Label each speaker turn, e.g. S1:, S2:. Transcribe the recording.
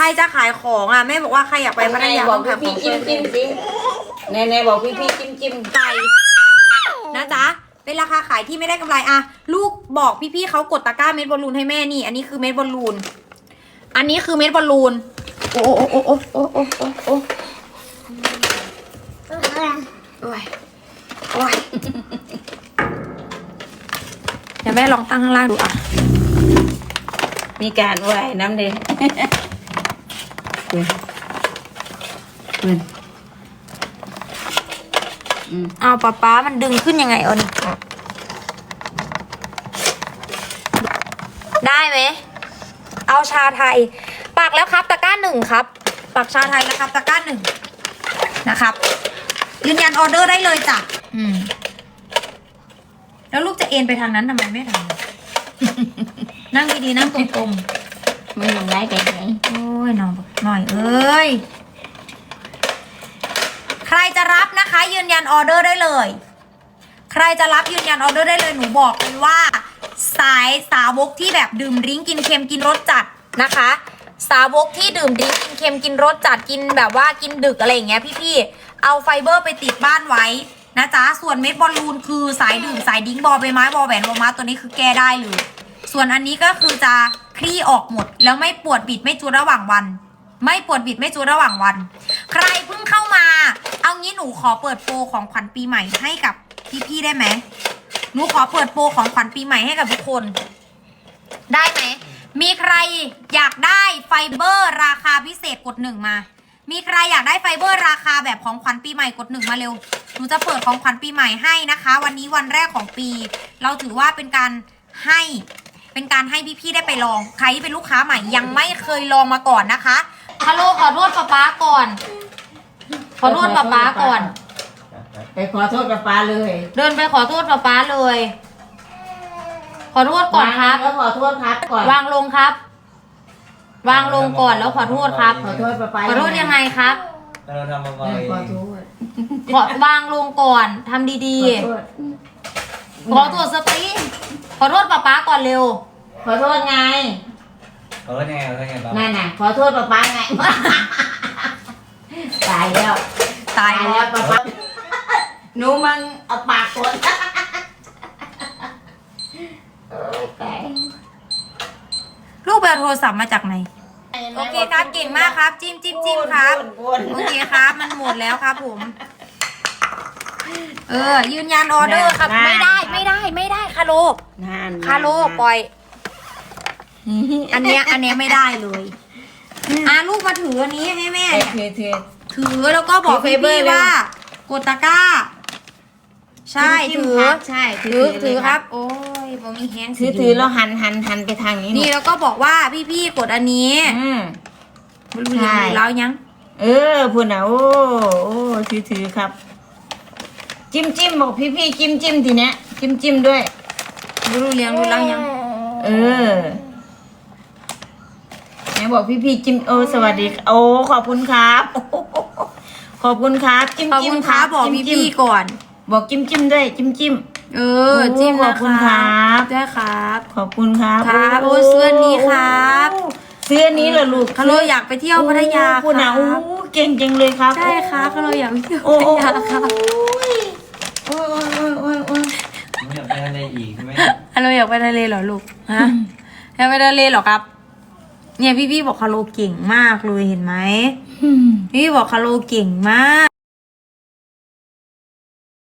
S1: รจะขายของอ่ะแม่บอกว่าใครอยากไปพัทยา
S2: บอก
S1: ต้อง
S2: พี่
S1: ขายของ
S2: จิ้มสิในบอกพี่จิ้ม
S1: ไก่นะจ๊ะเป็นราคาขายที่ไม่ได้กำไรอ่ะลูกบอกพี่ๆเขากดตะกร้าเม็ดบอลลูนให้แม่นี่อันนี้คือเม็ดบอลลูนอันนี้คือเม็ดบอลลูนโอ้โอ้โอ้โอ้โอ้โอ้โอ้โอ้โอ้ยโอ้ยเดี๋ยวแม่ลองตั้งข้างล่างดูอ่ะ
S2: มีการไหวน้ำเด่น
S1: เอาป๊ามันดึงขึ้นยังไงเอานี่ได้ไหมเอาชาไทยปักแล้วครับตะกร้าหนึ่งครับปักชาไทยนะครับตะกร้าหนึ่งนะครับยืนยันออเดอร์ได้เลยจ้ะแล้วลูกจะเอ็นไปทางนั้นทำไมไม่ทำ นั่งดีๆนั่งตรงๆ
S2: มันยังไงไปไหน
S1: โอ้ยน้องหน่อยเอ้ยใครจะรับนะคะยืนยันออเดอร์ได้เลยใครจะรับยืนยันออเดอร์ได้เลยหนูบอกเลยว่าสายสาวกที่แบบดื่มดริ้งกินเค็มกินรสจัดนะคะสาวกที่ดื่มดริ้งกินเค็มกินรสจัดกินแบบว่ากินดึกอะไรอย่างเงี้ยพี่ๆเอาไฟเบอร์ไปติดบ้านไว้นะจ๊ะส่วนเม็ดบอลลูนคือสายดื่มสายดิ้งบอใบไม้บอแหวนบอม้าตัวนี้คือแก้ได้เลยส่วนอันนี้ก็คือจะคลี่ออกหมดแล้วไม่ปวดบิดไม่จูดระหว่างวันไม่ปวดบิดไม่จูดระหว่างวันใครเพิ่งเข้ามาเอางี้หนูขอเปิดโปรของขวัญปีใหม่ให้กับพี่ๆได้ไหมหนูขอเปิดโปรของขวัญปีใหม่ให้กับทุกคนได้ไหมมีใครอยากได้ไฟเบอร์ราคาพิเศษกดหนึ่งมามีใครอยากได้ไฟเบอร์ราคาแบบของขวัญปีใหม่กดหนึ่งมาเร็วหนูจะเปิดของขวัญปีใหม่ให้นะคะวันนี้วันแรกของปีเราถือว่าเป็นการให้พี่ๆได้ไปลองใครที่เป็นลูกค้าใหม่ยังไม่เคยลองมาก่อนนะคะฮัลโหลขอโทษป๊าก่อนขอโทษป๊าก่อน
S2: ไปขอโทษป้าเลย
S1: เดินไปขอโทษป๊าเลย ขอโทษก่อนครับ
S2: แล้วขอโทษครับก่อน
S1: วางลงครับ วางลงก่อนแล้วขอโทษครับ
S2: ขอโทษป้า
S1: ขอโทษยังไงครับ
S3: เราทำมาบ่อย
S2: ขอโทษ
S1: ขอวางลงก่อนทำดีๆขอโทษสติขอโทษป๊าก่อนเร็ว
S2: ขอโทษไง
S3: เขาก็ยังไงเขาไงบ้าง
S2: นั่นน่ะขอโทษป้าไงตายแล้ว
S1: ตายแล้ว
S2: ป้าหนูมึงเอาปากกด
S1: ลูกไปเอาโทรศัพท์มาจากไหนโอเคครับเก่งมากครับจิ้มครับโอเคครับมันหมดแล้วครับผมยืนยันออเดอร์ครับไม่ได้คาโลปล่อยอันเนี้ยไม่ได้เลยลูกมาถืออันนี้ให้แม่เนี่ยถือแล้วก็บอกพี่ว่ากดตะกร้าใช่ถือครับโอ้ยผมมีแฮง
S2: ถือแล้วหันไปทางนี้
S1: นี่แล้วก็บอกว่าพี่กดอันนี้ใช่แล้วยัง
S2: พูดนะโอ้ถือครับจิ้มบอกพี่จิ้มทีเนี้ยจิ้มด้วย
S1: รู้เลี้ยงรู้แล้วยัง
S2: ไหนบอกพี่จิ้มสวัสดีขอบคุณครับขอบคุณครับจิ้ม
S1: ครับบอกพี่ก่อน
S2: บอกจิ้มด้วยจิ้ม
S1: จิ้ม
S2: ขอบคุณครับ
S1: ได้ครับ
S2: ขอบคุณครับ
S1: ครับเสื้อนี้ครับ
S2: เสื้อนี้เหรอลูก
S1: คาโลอยากไปเที่ยวพัทยา
S2: คุณนะเก่งจังเลยครับ
S1: ใช่ครับคาโลอยากไปเที่ยวพัทยาครับ
S2: โอ้ย
S3: ไม่อยากไปทะเลอีกใช่ไหม
S1: คาโลอยากไปทะเลเหรอลูกฮะอยากไปทะเลเหรอครับเนี่ยพี่บอกคาโลเก่งมากเลยเห็นไหมพี่บอกคาโลเก่งมาก